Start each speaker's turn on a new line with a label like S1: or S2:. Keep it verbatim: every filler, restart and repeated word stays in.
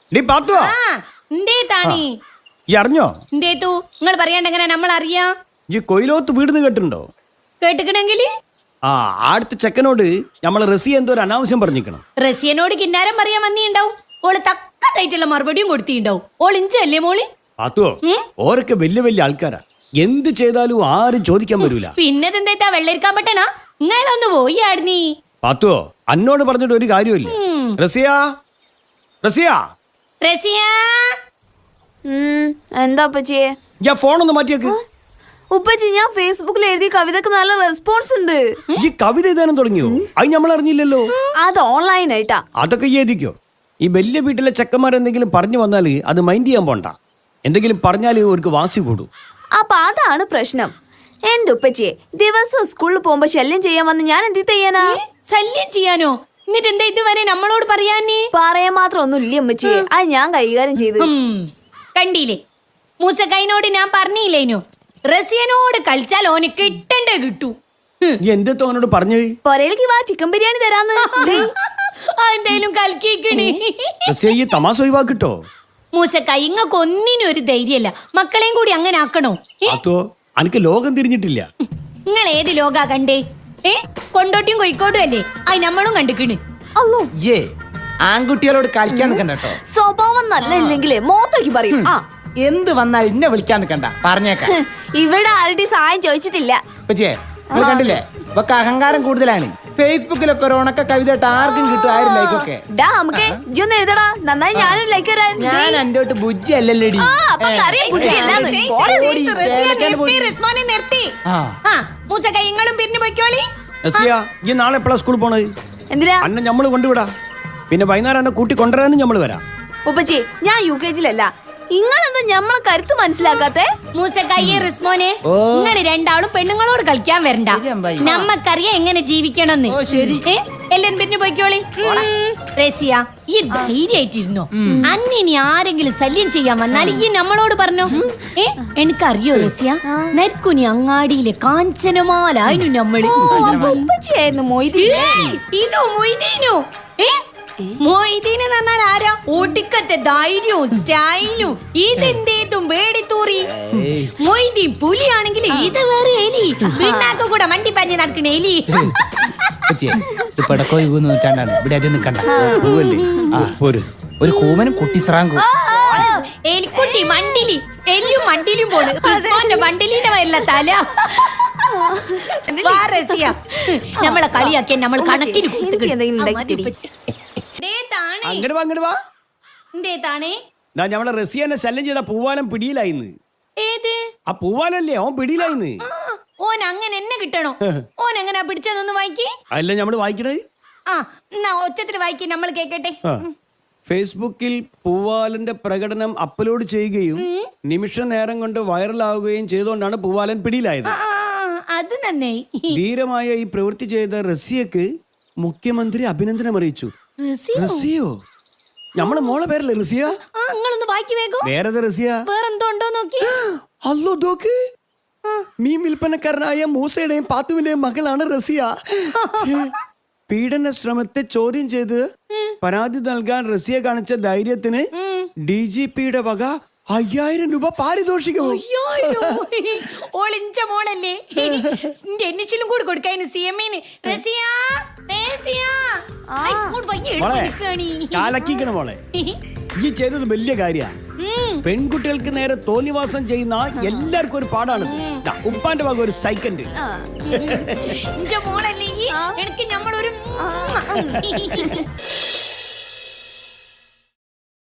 S1: അറിഞ്ഞോ
S2: നിങ്ങൾ പറയാണ്ട് എങ്ങനെ നമ്മൾ അറിയാ
S1: ഈ കൊയിലോത്ത് വീടുന്ന് കേട്ടിട്ടുണ്ടോ?
S2: കേട്ടിക്കണെങ്കില്
S1: ആ അടുത്ത ചെക്കനോട് നമ്മളെ റസിയ എന്തോ ഒരു അനാവശ്യം പറഞ്ഞിരിക്കണം.
S2: റസിയനോട് കിന്നാരം പറയാൻ വന്നിണ്ടാവും. ഓള് തക്കതായിട്ടുള്ള മറുപടിയും കൊടുത്തിണ്ടാവും. ഓൾ ഇഞ്ചല്ലേ മോളി?
S1: പാത്തുവോ ഓരൊക്കെ വലിയ വലിയ ആൾക്കാരാ, എന്ത് ചെയ്താലും ആരും ചോദിക്കാൻ വരൂല.
S2: പിന്നെന്താ വെള്ളരിക്കാൻ പറ്റണ? നിങ്ങളൊന്ന് പോയി ആടിനീ.
S1: പാത്തുവോ അന്നോട് പറഞ്ഞിട്ട് ഒരു കാര്യമില്ല. റസിയ റസിയ
S2: റസിയ
S3: എന്താ ഉപ്പച്ചിയെ?
S1: ഞാൻ ഫോണൊന്ന് മാറ്റിയേക്ക്.
S3: ഉപ്പച്ചി ഞാൻ ഫേസ്ബുക്കിൽ എഴുതിയ കവിതക്ക് നല്ല റെസ്പോൺസ് ഉണ്ട്.
S1: ഈ കവിത എഴുതാനും തുടങ്ങിയോ? അത് നമ്മൾ അറിഞ്ഞില്ലല്ലോ.
S3: അത് ഓൺലൈൻ ആയിട്ടാ.
S1: അതൊക്കെ എഴുതിക്കോ. ഈ വലിയ വീട്ടിലെ ചെക്കന്മാർ എന്തെങ്കിലും പറഞ്ഞു വന്നാല് അത് മൈൻഡ് ചെയ്യാൻ പോണ്ട. എന്തെങ്കിലും പറഞ്ഞാല് അവർക്ക് വാസി കൂടും.
S3: അപ്പൊ അതാണ് പ്രശ്നം. എന്റെ ഉപ്പച്ചിയെ ദിവസം സ്കൂളിൽ പോകുമ്പോ ശല്യം ചെയ്യാൻ വന്ന് ഞാൻ എന്ത് ചെയ്യാനാ?
S2: ശല്യം ചെയ്യാനോ? എന്നിട്ട് എന്താ ഇതുവരെ നമ്മളോട് പറയാനേ?
S3: പറയാൻ മാത്രം ഒന്നും ഇല്ല ഉമ്മച്ചിയെ, അത് ഞാൻ കൈകാര്യം ചെയ്ത്.
S2: കണ്ടില്ലേ മൂസക്കൈനോട് ഞാൻ പറഞ്ഞില്ലേനോ, റസിയനോട് കളിച്ചാൽ ഓന് കിട്ടണ്ടേ കിട്ടൂ.
S1: എന്തോ അവനോട് പറഞ്ഞു
S3: പൊരയിലേക്ക് വാ ചിക്കൻ ബിരിയാണി തരാന്ന്.
S2: എന്തായാലും കൽക്കിക്കണേ.
S1: തമാശ ഒഴിവാക്കിട്ടോ.
S2: മൂസക്കായി ഇങ്ങക്ക് ഒന്നിനും ഒരു ധൈര്യല്ല. മക്കളെയും കൂടി അങ്ങനെ ആക്കണോ?
S1: എനിക്ക് ലോകം തിരിഞ്ഞിട്ടില്ല.
S2: നിങ്ങൾ ഏത് ലോകാ കണ്ടേ? ഏ കൊണ്ടോട്ടിയും കോഴിക്കോടും അല്ലേ? അത് നമ്മളും കണ്ടിക്കണ്.
S3: അല്ലോ
S4: ഏ ആൺകുട്ടികളോട് കളിക്കാൻ നിൽക്കണ്ടോ.
S3: സ്വഭാവം നല്ല ഇല്ലെങ്കിലേ മോത്തേക്ക് പറയും. ആ
S4: എന്ത് വന്നാൽ ഇന്നെ വിളിക്കാൻ നിൽക്കണ്ട, പറഞ്ഞേക്കാം.
S3: ഇവിടെ ആരുടെ സഹായം ചോദിച്ചിട്ടില്ല.
S4: പച്ചേ നിങ്ങൾ കണ്ടില്ലേ, ഇവക്ക് അഹങ്കാരം കൂടുതലാണ്. ഫേസ്ബുക്കിലൊക്കെ ഒരു ഉണക്ക കവിത ആർക്കും കിട്ടും, ആയിരം ലൈക്കൊക്കെ.
S3: നമുക്ക് ഇജ്ജൊന്ന് എഴുതടാ, നന്നായി ഞാനും ലൈക്ക് തരാൻ.
S4: ഞാൻ എന്റെ ബുജ്ജി അല്ലല്ലേടി.
S2: മൂസക്കൈങ്ങളും പിരിഞ്ഞു പോയിക്കോളി.
S1: ഈ നാളെ എപ്പോഴാ സ്കൂളിൽ പോണത്?
S3: എന്തിനാ?
S1: അന്നെ നമ്മള് കൊണ്ടുവിടാ, പിന്നെ വൈകുന്നേരം എന്നെ കൂട്ടി കൊണ്ടുവരാനും നമ്മള് വരാം.
S3: ഉപ്പച്ചി ഞാൻ യു കെ ജിയിലല്ല, നിങ്ങളെന്താ ഞമ്മളെ കരുത്ത് മനസ്സിലാക്കാത്തെ?
S2: മൂസക്കയ്യെ റിസ്മോനെ, നിങ്ങള് രണ്ടാളും പെണ്ണുങ്ങളോട് കളിക്കാൻ വരണ്ട. നമ്മക്കറിയാം എങ്ങനെ ജീവിക്കണമെന്ന്. എല്ലാരും പിന്നെ പോയിക്കോളി. റസിയ ഈ ധൈര്യമായിട്ടിരുന്നോ? അന്നിനി ആരെങ്കിലും ശല്യം ചെയ്യാൻ വന്നാൽ ഈ നമ്മളോട് പറഞ്ഞോ. ഏ എനിക്കറിയോ റസിയ, നരിക്കുനി അങ്ങാടിയിലെ കാഞ്ചനമാലായിരുന്നു നമ്മള്.
S3: ഉപ്പച്ചിയായിരുന്നു മൊയ്തീൻ.
S2: ഇതോ മൊയ്തീനോ? ഏ മൊയ്തീന് പറഞ്ഞാൽ ആരാ? ഒടുക്കത്തെ ധൈര്യവും സ്റ്റൈലും. ഇതെന്തേതും പേടിത്തൂറി. മൊയ്തീൻ പുലിയാണെങ്കിൽ ഇത് വേറെ എലി. പിന്നാക്ക കൂടെ മണ്ടി പഞ്ഞി നടക്കണ എലി.
S4: ഒരു കൂമനും കുട്ടിസ്രാങ്കും.
S2: എലിക്കുട്ടി മണ്ടിലി, എലിയും മണ്ടിലും പോണ്. മണ്ടിലിന്റെ വരില്ല തല. നമ്മളെ കളിയാക്കിയ നമ്മൾ കണക്കിന്
S1: നമ്മളെ റസിയനെ ശല്യം ചെയ്ത പൂവാലം പിടിയിലായിന്ന്.
S2: ഏത്
S1: ആ പൂവാലല്ലേ ഓൻ പിടിയിലായിന്ന്.
S2: ഓൻ അങ്ങനെ എന്നെ കിട്ടണോ? ഓൻ എങ്ങനെ പിടിച്ചതൊന്ന് വായിക്കേ.
S1: അല്ല നമ്മള് വായിക്കണേ.
S2: ആ എന്നാ ഒച്ചത്തിൽ വായിക്കേ, നമ്മൾ കേക്കട്ടെ.
S1: ഫേസ്ബുക്കിൽ പൂവാലന്റെ പ്രകടനം അപ്ലോഡ് ചെയ്യുകയും നിമിഷ നേരം കൊണ്ട് വൈറലാവുകയും ചെയ്തുകൊണ്ടാണ് പൂവാലൻ പിടിയിലായത്.
S2: അത് നന്നേ.
S1: ധീരമായ ഈ പ്രവൃത്തി ചെയ്ത റസിയക്ക് മുഖ്യമന്ത്രി അഭിനന്ദനം അറിയിച്ചു. റസിയോ? നമ്മളെ മോളെ പേരല്ലേ റസിയ? വേറെ റസിയ
S2: വേറെന്തോണ്ടോ നോക്കി.
S1: അല്ലോ നോക്ക്, മീൻ വിൽപ്പനക്കാരനായ മൂസയുടെയും പാത്തുവിന്റെയും മകളാണ് റസിയ. പീഡന ശ്രമത്തെ ചോദ്യം ചെയ്ത് പരാതി നൽകാൻ റസിയ കാണിച്ച ധൈര്യത്തിന് ഡി ജി പിയുടെ വക അയ്യായിരം രൂപ പാരിതോഷികവും.
S2: ഓളിഞ്ച മോളല്ലേ, എന്നിച്ചിലും കൂടി കൊടുക്കായിരുന്നു സി എം ഇന്.
S1: മോളെ ഈ ചെയ്തത് വലിയ കാര്യ. പെൺകുട്ടികൾക്ക് നേരെ തോന്നിവാസം ചെയ്യുന്ന എല്ലാവർക്കും ഒരു പാടാണ്. ഉപ്പാന്റെ വക ഒരു സൈക്കൻഡ്.
S2: മോളല്ലേ എനിക്ക് നമ്മളൊരു